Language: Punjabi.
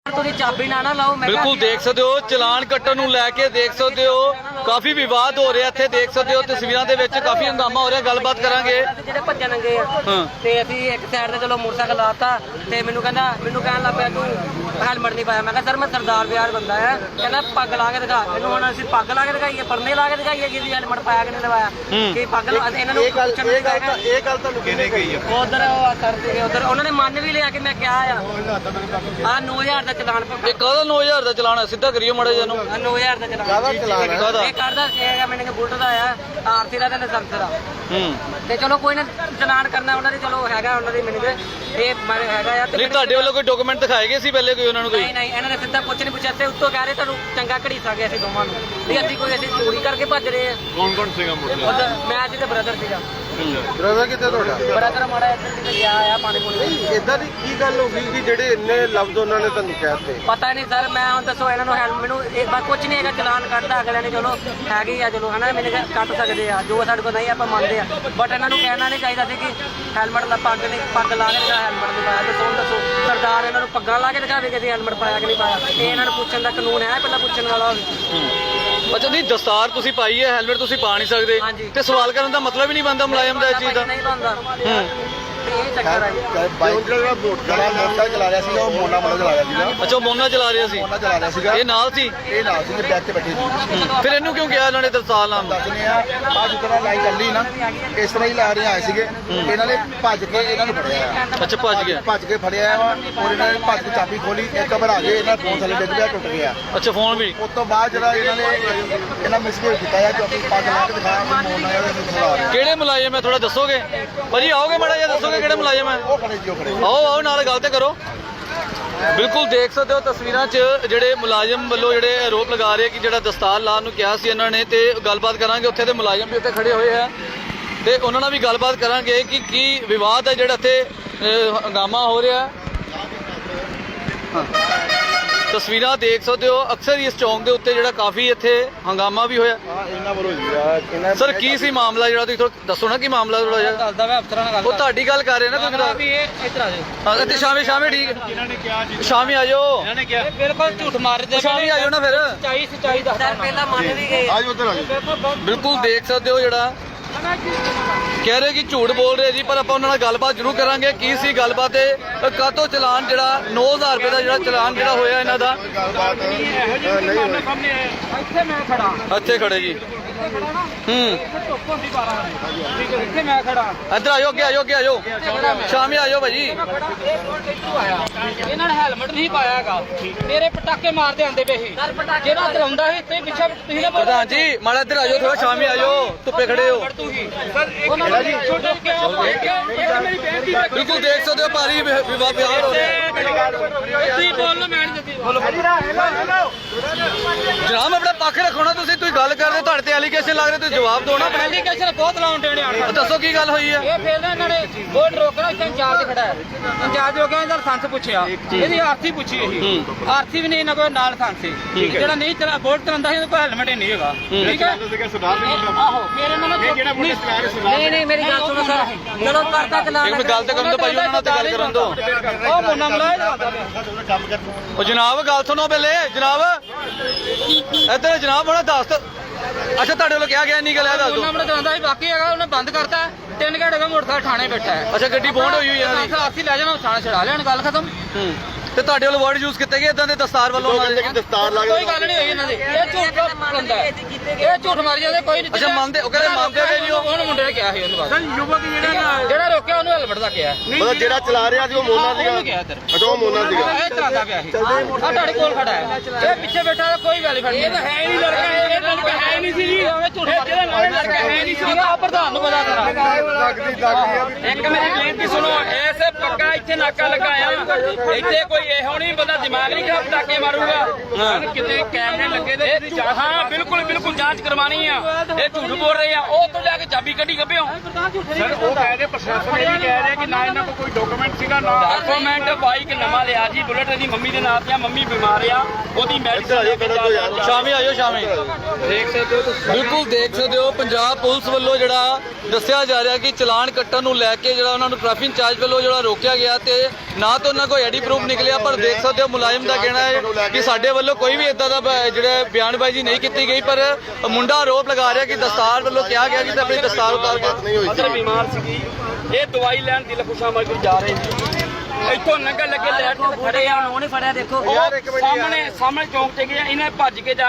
ਚਾਬੀ ਨਾ ਲਾਓ। ਬਿਲਕੁਲ ਦੇਖ ਸਕਦੇ ਹੋ ਚਲਾਨ ਕੱਟਣ ਨੂੰ ਲੈ ਕੇ ਦੇਖ ਸਕਦੇ ਹੋ ਕਾਫੀ ਵਿਵਾਦ ਹੋ ਰਿਹਾ ਇੱਥੇ ਦੇਖ ਸਕਦੇ ਹੋ ਤਸਵੀਰਾਂ ਦੇ ਵਿੱਚ ਕਾਫੀ ਹੰਗਾਮਾ ਹੋ ਰਿਹਾ ਗੱਲਬਾਤ ਕਰਾਂਗੇ। ਜਿਹੜੇ ਭੱਜਣ ਲੱਗੇ ਆ ਤੇ ਅਸੀਂ ਇੱਕ ਸਾਈਡ ਤੇ ਚਲੋ ਮੋਟਰਸਾਈਕਲ ਲਾਤਾ ਤੇ ਮੈਨੂੰ ਕਹਿਣ ਲੱਗ ਪਿਆ ਤੂੰ ਹੈਲਮਟ ਨਹੀਂ ਪਾਇਆ। ਮੈਂ ਕਿਹਾ ਸਰ ਮੈਂ ਸਰਦਾਰ ਵਿਆਹ ਬੰਦਾ ਆ। ਕਹਿੰਦਾ ਪੱਗ ਲਾ ਕੇ ਦਿਖਾ। ਮੈਨੂੰ ਹੁਣ ਅਸੀਂ ਪੱਗ ਲਾ ਕੇ ਦਿਖਾਈਏ ਪਰਨੇ ਲਾ ਕੇ ਦਿਖਾਈਏ ਕਿ ਹੈਲਮਟ ਪਾਇਆ ਕਿ ਨਹੀਂ ਲਵਾਇਆ ਕਿ ਪੱਗ ਇਹਨਾਂ ਨੂੰ ਪੁੱਛਣ ਇਹ ਗੱਲ ਤੁਹਾਨੂੰ ਕਿਹਨੇ ਕਹੀ ਆ ਉਧਰ ਸਰ ਸੀਗੇ ਉਧਰ ਉਹਨਾਂ ਨੇ ਮੰਨ ਵੀ ਲਿਆ ਕਿ ਮੈਂ ਕਿਹਾ ਆ 9000 ਦਾ ਚਲਾਨ ਇਹ ਕਾਹਦਾ 9000 ਦਾ ਚਲਾਨ ਹੈ ਸਿੱਧਾ ਕਰਿਓ ਮਾੜਾ ਜਿਹਾ ਨੂੰ 9000 ਦਾ ਚਲਾਨ ਇਹ ਕਰਦਾ ਸੀਗਾ ਮੈਨੂੰ ਬੁਲਟ ਦਾ ਆ ਆਰਸੀ ਦਾ ਤੇ ਲਾਇਸੈਂਸ ਦਾ ਤੇ ਚਲੋ ਕੋਈ ਨਾ ਚਲਾਨ ਕਰਨਾ ਉਹਨਾਂ ਦੇ ਚਲੋ ਹੈਗਾ ਉਹਨਾਂ ਦੀ ਮੈਨੂੰ ਇਹ ਮਾਰੇ ਹੈਗਾ ਆ ਨਹੀਂ ਤੁਹਾਡੇ ਵੱਲੋਂ ਕੋਈ ਡਾਕੂਮੈਂਟ ਦਿਖਾਏ ਗਏ ਸੀ ਪਹਿਲੇ ਕੋਈ ਉਹਨਾਂ ਨੂੰ ਕੋਈ ਨਹੀਂ ਇਹਨਾਂ ਨੇ ਸਿੱਧਾ ਕੁਝ ਨਹੀਂ ਪੁੱਛਿਆ ਤੇ ਉੱਤੋਂ ਕਹਿ ਰਹੇ ਤੁਹਾਨੂੰ ਚੰਗਾ ਘੜੀਸਾ ਗਿਆ ਸੀ ਦੋਵਾਂ ਨੂੰ ਵੀ ਅਸੀਂ ਚੋਰੀ ਕਰਕੇ ਭੱਜ ਰਹੇ ਆ। ਕੌਣ ਸੀਗਾ ਉਧਰ ਮੈਂ ਸੀ ਤੇ ਬ੍ਰਦਰ ਸੀਗਾ। ਬ੍ਰਦਰ ਕਿੱਥੇ ਤੁਹਾਡਾ? ਬ੍ਰਦਰ ਮਾੜਾ ਇੱਧਰ ਕਿਤੇ ਗਿਆ ਆ ਪਾਣੀ ਪੂਣੀ ਇਦਾਂ ਦੀ ਕੀ ਗੱਲ ਹੋ ਗਈ ਕਿ ਜਿਹੜੇ ਇੰਨੇ ਲਫ਼ਜ਼ ਉਹਨਾਂ ਨੇ ਤੁਹਾਨੂੰ ਕਹਿਤੇ? ਪਤਾ ਨਹੀਂ ਸਰ ਮੈਂ ਹੁਣ ਦੱਸੋ ਇਹਨਾਂ ਨੂੰ ਮੈਨੂੰ ਇਹ ਬਸ ਕੁਝ ਨਹੀਂ ਹੈਗਾ ਚਲਾਨ ਕੱਢਦਾ ਅਗਲਿਆਂ ਨੇ ਚਲੋ ਹੈਗੀ ਆ ਚਲੋ ਹਨਾ ਮੈਨੂੰ ਕੱਟ ਸਕਦੇ ਆ ਜੋ ਸਾਡੇ ਕੋਲ ਨਹੀਂ ਆਪਾਂ ਮੰਨਦੇ ਆ ਬਟ ਇਹਨਾਂ ਨੂੰ ਕਹਿਣਾ ਨਹੀਂ ਚਾਹੀਦਾ ਸੀ ਕਿ ਹੈਲਮਟ ਲਾ ਪੱਗ ਲਾ ਕੇ ਦਿਖਾ ਹੈਲਮਟ ਨਹੀਂ ਪਾਇਆ। ਦੱਸੋ ਸਰਦਾਰ ਇਹਨਾਂ ਨੂੰ ਪੱਗਾਂ ਲਾ ਕੇ ਦਿਖਾਵੇ ਕਿ ਅਸੀਂ ਹੈਲਮਟ ਪਾਇਆ ਕਿ ਨਹੀਂ ਪਾਇਆ। ਇਹ ਇਹਨਾਂ ਨੂੰ ਪੁੱਛਣ ਦਾ ਕਾਨੂੰਨ ਹੈ ਪਹਿਲਾਂ ਪੁੱਛਣ ਵਾਲਾ ਅੱਛਾ ਨਹੀਂ ਦਸਤਾਰ ਤੁਸੀਂ ਪਾਈ ਹੈ ਹੈਲਮਟ ਤੁਸੀਂ ਪਾ ਨਹੀਂ ਸਕਦੇ ਤੇ ਸਵਾਲ ਕਰਨ ਦਾ ਮਤਲਬ ਹੀ ਨਹੀਂ ਬਣਦਾ ਮੁਲਾਜ਼ਮ ਦਾ ਇਹ ਚੀਜ਼ ਦਾ ਨਹੀਂ ਬਣਦਾ ਇਹ ਚੱਕਰ ਹੈ। ਬਾਈਕ ਜਿਹੜਾ ਮੋਟਰਸਾਈਕਲ ਚਲਾ ਰਿਹਾ ਸੀਗਾ ਉਹ ਮੋਨਾ ਚਲਾ ਰਿਹਾ ਸੀਗਾ। ਅੱਛਾ ਮੋਨਾ ਚਲਾ ਰਿਹਾ ਸੀ ਮੋਨਾ ਚਲਾ ਰਿਹਾ ਸੀਗਾ ਇਹ ਨਾਲ ਸੀ ਬੈਕ ਤੇ ਬੈਠੇ ਸੀ। ਫਿਰ ਇਹਨੂੰ ਕਿਉਂ ਕਿਹਾ ਇਹਨਾਂ ਨੇ ਦਰਸਾਲ ਨਾਮ ਦਾ? ਦੱਸਨੇ ਆ ਜਿਸ ਤਰ੍ਹਾਂ ਲਾਈਨ ਚੱਲੀ ਨਾ ਇਸ ਤਰ੍ਹਾਂ ਹੀ ਲਾ ਰਹੇ ਆਏ ਸੀਗੇ ਇਹਨਾਂ ਨੇ ਭੱਜ ਕੇ ਇਹਨਾਂ ਨੂੰ ਫੜਿਆ। ਅੱਛਾ ਭੱਜ ਕੇ ਫੜਿਆ ਵਾ ਔਰ ਇਹਨਾਂ ਨੇ ਭੱਜ ਕੇ ਚਾਬੀ ਖੋਲੀ ਇੱਕ ਵਾਰ ਆ ਗਏ ਇਹਨਾਂ ਫੋਨ ਥੱਲੇ ਡਿੱਗ ਪਿਆ ਟੁੱਟ ਗਿਆ। ਅੱਛਾ ਫੋਨ ਵੀ ਉਸ ਤੋਂ ਬਾਅਦ ਜਿਹੜਾ ਇਹਨਾਂ ਮਿਸਬਿਹੇਵ ਕੀਤਾ ਆ ਜੋ ਆਪਣੀ ਪੱਗ ਲਾ ਕੇ ਦਿਖਾਇਆ ਮੋਨਾ ਜਿਹੜਾ ਕਿਹੜੇ ਮੁਲਾਜ਼ਮ ਹੈ ਥੋੜਾ ਦੱਸੋਗੇ ਭਾਜੀ ਆਓਗੇ ਮਾੜਾ ਜਿਹਾ ਦੱਸੋਗੇ ਕਿਹੜੇ ਮੁਲਾਜ਼ਮ ਹੈ? ਉਹ ਖੜੇ ਜੀ ਉਹ ਖੜੇ ਆਓ ਨਾਲ ਗੱਲ ਤੇ ਕਰੋ। ਬਿਲਕੁਲ ਦੇਖ ਸਕਦੇ ਹੋ ਤਸਵੀਰਾਂ 'ਚ ਜਿਹੜੇ ਮੁਲਾਜ਼ਮ ਵੱਲੋਂ ਜਿਹੜੇ ਆਰੋਪ ਲਗਾ ਰਹੇ ਕਿ ਜਿਹੜਾ ਦਸਤਾਰ ਲਾਉਣ ਨੂੰ ਕਿਹਾ ਸੀ ਇਹਨਾਂ ਨੇ ਤੇ ਗੱਲਬਾਤ ਕਰਾਂਗੇ। ਉੱਥੇ ਦੇ ਮੁਲਾਜ਼ਮ ਵੀ ਉੱਥੇ ਖੜੇ ਹੋਏ ਆ ਤੇ ਉਹਨਾਂ ਨਾਲ ਵੀ ਗੱਲਬਾਤ ਕਰਾਂਗੇ ਕਿ ਕੀ ਵਿਵਾਦ ਹੈ ਜਿਹੜਾ ਇੱਥੇ ਹੰਗਾਮਾ ਹੋ ਰਿਹਾ। ਤਸਵੀਰਾਂ ਦੇਖ ਸਕਦੇ ਹੋ ਅਕਸਰ ਹੀ ਇਸ ਚੌਂਕ ਦੇ ਉੱਤੇ ਜਿਹੜਾ ਕਾਫੀ ਇੱਥੇ ਹੰਗਾਮਾ ਵੀ ਹੋਇਆ। ਇਹਨਾਂ ਵੱਲੋਂ ਜੀ ਸਰ ਕੀ ਸੀ ਮਾਮਲਾ ਜਿਹੜਾ ਤੁਸੀਂ ਥੋੜਾ ਦੱਸੋ ਨਾ ਕੀ ਮਾਮਲਾ ਥੋੜਾ ਜਿਹਾ ਦੱਸਦਾ ਮੈਂ ਅਫਸਰਾਂ ਨਾਲ ਗੱਲ ਉਹ ਤੁਹਾਡੀ ਗੱਲ ਕਰ ਰਹੇ ਨਾ ਕੋਈ ਵੀ ਇਹ ਇੱਧਰ ਆ ਜਾਓ ਇੱਥੇ ਸ਼ਾਮੇ ਠੀਕ ਇਹਨਾਂ ਨੇ ਕਿਹਾ ਜੀ ਸ਼ਾਮੇ ਆ ਜਾਓ ਇਹਨਾਂ ਨੇ ਕਿਹਾ ਬਿਲਕੁਲ ਝੂਠ ਮਾਰਦੇ ਸ਼ਾਮੇ ਆ ਜਾਓ ਨਾ ਫਿਰ ਸੱਚਾਈ ਦੱਸਦਾ ਪਹਿਲਾਂ ਮੰਨ ਵੀ ਗਏ ਆਜੋ ਉੱਧਰ ਆਜੋ। ਬਿਲਕੁਲ ਦੇਖ ਸਕਦੇ ਹੋ ਜਿਹੜਾ ਕਹਿ ਰਹੇ ਕਿ ਝੂਠ ਬੋਲ ਰਹੇ ਜੀ ਪਰ ਆਪਾਂ ਉਹਨਾਂ ਨਾਲ ਗੱਲਬਾਤ ਜ਼ਰੂਰ ਕਰਾਂਗੇ ਕੀ ਸੀ ਗੱਲਬਾਤ ਤੇ ਕਾਹਤੋਂ ਚਲਾਨ ਜਿਹੜਾ 9000 ਰੁਪਏ ਦਾ ਜਿਹੜਾ ਚਲਾਨ ਜਿਹੜਾ ਹੋਇਆ ਇਹਨਾਂ ਦਾ ਗੱਲਬਾਤ ਨਹੀਂ ਹੋਈ। ਇੱਥੇ ਮੈਂ ਖੜਾ ਇੱਥੇ ਖੜੇ ਜੀ ਇੱਥੇ ਮੈਂ ਖੜਾ ਇੱਧਰ ਆਜੋ ਅੱਗੇ ਆਜੋ ਸ਼ਾਮੇ ਆਜੋ ਭਾਜੀ। ਇਹਨਾਂ ਨੇ ਹੈਲਮਟ ਨਹੀਂ ਪਾਇਆ ਹੈਗਾ ਮੇਰੇ ਪਟਾਕੇ ਮਾਰਦੇ ਆਂਦੇ ਪਏ ਸੀ ਜਿਹੜਾ ਚਲਾਉਂਦਾ ਸੀ ਤੇ ਪਿੱਛੇ ਤੁਸੀਂ ਨਾ ਪ੍ਰਧਾਨ ਜੀ ਮਾੜਾ ਇੱਧਰ ਆਜੋ ਥੋੜਾ ਸ਼ਾਮੇ ਆਜੋ ਧੁੱਪੇ ਖੜੇ ਹੋ। ਬਿਲਕੁਲ ਦੇਖ ਸਕਦੇ ਹੋ ਭਾਰੀ ਵਿਵਾਦ ਹੋ ਰਿਹਾ। ਤੁਸੀਂ ਬੋਲੋ ਮੈਂ ਨਹੀਂ ਦਿੱਤੀ ਜਨਾਬ ਆਪਣਾ ਪੱਖ ਰੱਖੋ ਨਾ ਤੁਸੀਂ ਗੱਲ ਕਰਦੇ ਤੁਹਾਡੇ ਤੇ ਐਲੀਗੇਸ਼ਨ ਲੱਗ ਰਹੇ ਤੁਸੀਂ ਜਵਾਬ ਦਿਓ ਨਾ ਆਪਣਾ। ਐਲੀਗੇਸ਼ਨ ਬਹੁਤ ਲਾਉਣ ਦੇਣੇ ਆਣ ਦੱਸੋ ਕੀ ਗੱਲ ਹੋਈ ਹੈ? ਇਹ ਫੇਰ ਨਾ ਇਹਨਾਂ ਨੇ ਬੋਰਡ ਰੋਕਣਾ ਇੱਥੇ ਇੰਚਾਰਜ ਖੜਾ ਹੈ ਇੰਚਾਰਜ ਹੋ ਗਿਆ ਇਹਦਾ ਲਾਇਸੈਂਸ ਪੁੱਛਿਆ ਇਹਦੀ ਆਰਸੀ ਪੁੱਛੀ ਇਹ ਆਰਸੀ ਵੀ ਨਹੀਂ ਇਹਨਾਂ ਕੋਲ ਨਾਲ ਲਾਇਸੈਂਸ ਸੀ ਜਿਹੜਾ ਨਹੀਂ ਚਲਾ ਬੋਰਡ ਚਲਾਉਂਦਾ ਸੀ ਉਹਦੇ ਕੋਲ ਹੈਲਮਟ ਹੀ ਨਹੀਂ ਹੈਗਾ ਠੀਕ ਹੈ ਆਹੋ ਫਿਰ ਇਹਨਾਂ ਨੇ ਨਹੀਂ ਮੇਰੀ ਗੱਲ ਸੁਣੋ ਸਰ ਚਲੋ ਕਰਦਾ ਚਲਾ ਇੱਕ ਗੱਲ ਤੇ ਕਰਨ ਦੋ ਭਾਈ ਉਹਨਾਂ ਨਾਲ ਤੇ ਗੱਲ ਕਰਨ ਦੋ। ਉਹ ਮੋਨਾ ਮਲਾਇਆ ਉਹ ਜਨਾਬ ਗੱਲ ਸੁਣੋ ਪਹਿਲੇ ਜਨਾਬ ਇੱਧਰ ਜਨਾਬ ਹੁਣ ਦੱਸ ਅੱਛਾ ਤੁਹਾਡੇ ਵੱਲੋਂ ਕਿਹਾ ਗਿਆ ਨਹੀਂ ਗੱਲ ਇਹ ਦੱਸ ਦਿਓ। ਉਹਨਾਂ ਨੇ ਦੰਦਾ ਹੀ ਬਾਕੀ ਹੈਗਾ ਉਹਨੇ ਬੰਦ ਕਰਤਾ 3 ਘੰਟੇ ਦਾ ਮੋਟਰਸਾਈਕਲ ਥਾਣੇ ਬੈਠਾ ਹੈ। ਅੱਛਾ ਗੱਡੀ ਬੌਂਡ ਹੋਈ ਇਹਨਾਂ ਦੀ ਆਰਸੀ ਲੈ ਜਾਣਾ ਥਾਣੇ ਛੜਾ ਲੈਣ ਗੱਲ ਖਤਮ। ਤੇ ਤੁਹਾਡੇ ਵੱਲੋਂ ਵਰਡ ਯੂਜ਼ ਕੀਤੇ ਗਏ ਇਦਾਂ ਦੇ ਦਸਤਾਰ ਵੱਲੋਂ ਉਹਨਾਂ ਦੇ ਦਸਤਾਰ ਲਾ ਕੋਈ ਗੱਲ ਨਹੀਂ ਹੋਈ ਇਹਨਾਂ ਦੀ ਇਹ ਝੂਠ ਬੰਦਾ ਇਹ ਝੂਠ ਮਾਰੀ ਜਾਂਦੇ ਕੋਈ ਨਹੀਂ। ਅੱਛਾ ਮੰਨਦੇ ਉਹ ਕਹਿੰਦੇ ਮੰਨਦੇ ਹੋਏ ਨਹੀਂ ਉਹ ਮੁੰਡੇ ਨੇ ਕਿਹਾ ਸੀ ਉਹਨੂੰ ਬਸ ਯੁਵਕ ਜਿਹੜਾ ਰੋਕਿਆ ਉਹਨੂੰ ਹੈਲਮਟ ਦਾ ਕਿਹਾ ਮਤਲਬ ਜਿਹੜਾ ਚਲਾ ਰਿਹਾ ਸੀ ਉਹ ਮੋਨਾ ਉਹਨੂੰ ਕਿਹਾ ਇੱਧਰ ਅੱਛਾ ਉਹ ਮੋਨਾ ਸੀਗਾ ਇਹ ਚਲਾਉਂਦਾ ਪਿਆ ਸੀ ਆ ਤੁਹਾਡੇ ਕੋਲ ਖੜਾ ਹੈ ਇਹ ਪਿੱਛੇ ਬੈਠਾ ਕੋਈ ਗੱਲ ਨਹੀਂ ਇਹ ਤਾਂ ਹੈ ਹੀ ਨਹੀਂ ਲੜਕਾ ਇਹ ਲੜਕਾ ਹੈ ਨਹੀਂ ਸੀ ਜੀ ਇਹ ਝੂਠ ਮਾਰਦਾ ਲੜਕਾ ਹੈ ਨਹੀਂ ਸੀ ਆ ਪ੍ਰਧਾਨ ਨੂੰ ਪਤਾ ਕਰਾ ਇੱਕ ਮੇਰੀ ਬੇਨਤੀ ਸੁਣੋ ਐਸੇ ਪੱਕਾ ਇੱਥੇ ਨਾਕਾ ਲਗਾਇਆ ਇੱਥੇ ਕੋਈ ਇਹੋ ਨਹੀਂ ਬੰਦਾ ਦਿਮਾਗ ਨਹੀਂ ਖਰਾਬ ਪਟਾਕੇ ਮਾਰੂਗਾ ਕਿਤੇ ਕੈਮਰੇ ਲੱਗੇ ਤੇ ਹਾਂ ਬਿਲਕੁਲ ਜਾਂਚ ਕਰਵਾਣੀ ਆ ਇਹ ਝੂਠ ਬੋਲ ਰਹੇ ਆ ਉਹ ਤੋਂ ਜਾ ਕੇ ਚਾਬੀ ਕੱਢੀ ਗੱਭੇ ਪਿਓ ਸਰ ਉਹ ਕਹਿ ਰਹੇ ਪ੍ਰਸ਼ਾਸਨ ਇਹ ਵੀ ਕਹਿ ਰਿਹਾ ਕਿ ਨਾ ਇਹਨਾਂ ਕੋਲ ਕੋਈ ਡਾਕੂਮੈਂਟ ਸੀਗਾ ਨਾ ਡਾਕੂਮੈਂਟ ਬਾਈਕ ਨਵਾਂ ਲਿਆ ਜੀ ਬੁਲਟ ਦੀ ਮੰਮੀ ਦੇ ਨਾਂ ਤੇ ਆ ਮੰਮੀ ਬਿਮਾਰ ਆ ਉਹਦੀ ਮੈਡੀਸਨ ਸ਼ਾਮੀ ਆਇਓ ਸ਼ਾਮੀ ਦੇਖ ਸਕਦੇ ਹੋ ਤੁਸੀਂ ਬਿਲਕੁਲ ਦੇਖ ਸਕਦੇ ਹੋ ਪੰਜਾਬ ਪੁਲਿਸ ਵੱਲੋਂ ਜਿਹੜਾ ਦੱਸਿਆ ਜਾ ਰਿਹਾ ਕਿ ਚਲਾਨ ਕੱਟਣ ਨੂੰ ਲੈ ਕੇ ਜਿਹੜਾ ਉਹਨਾਂ ਨੂੰ ਟ੍ਰੈਫਿਕ ਇੰਚਾਰਜ ਵੱਲੋਂ ਜਿਹੜਾ ਰੋਕਿਆ ਗਿਆ ਤੇ ਨਾ ਤਾਂ ਉਹਨਾਂ ਕੋਈ ਆਈਡੀ ਪ੍ਰੂਫ ਨਿਕਲਿਆ ਪਰ ਦੇਖ ਸਕਦੇ ਹੋ ਮੁਲਾਜ਼ਮ ਦਾ ਕਹਿਣਾ ਹੈ ਕਿ ਸਾਡੇ ਵੱਲੋਂ ਕੋਈ ਵੀ ਇਦਾਂ ਦਾ ਜਿਹੜਾ ਬਿਆਨਬਾਜ਼ੀ ਨਹੀਂ ਕੀਤੀ ਗਈ ਪਰ ਮੁੰਡਾ ਆਰੋਪ ਲਗਾ ਰਿਹਾ ਕਿ ਦਸਤਾਰ ਵੱਲੋਂ ਕਿਹਾ ਗਿਆ ਕਿ ਆਪਣੀ ਦਸਤਾਰ ਉਤਾਰ ਕੇ ਮਦਰ ਬਿਮਾਰ ਸੀਗੀ ਇਹ ਦਵਾਈ ਲੈਣ ਦਿਲਖੁਸ਼ਾ ਮਰ ਕੇ ਜਾ ਰਹੇ ਸੀ ਇੱਥੋਂ ਨੰਗਾ ਲੱਗੇ ਲੈਟ ਤੇ ਖੜੇ ਆ ਉਹਨੇ ਫੜਿਆ ਦੇਖੋ ਉਹ ਸਾਹਮਣੇ ਚੌਂਕ ਤੇ ਗਏ ਇਹਨੇ ਭੱਜ ਕੇ ਜਾ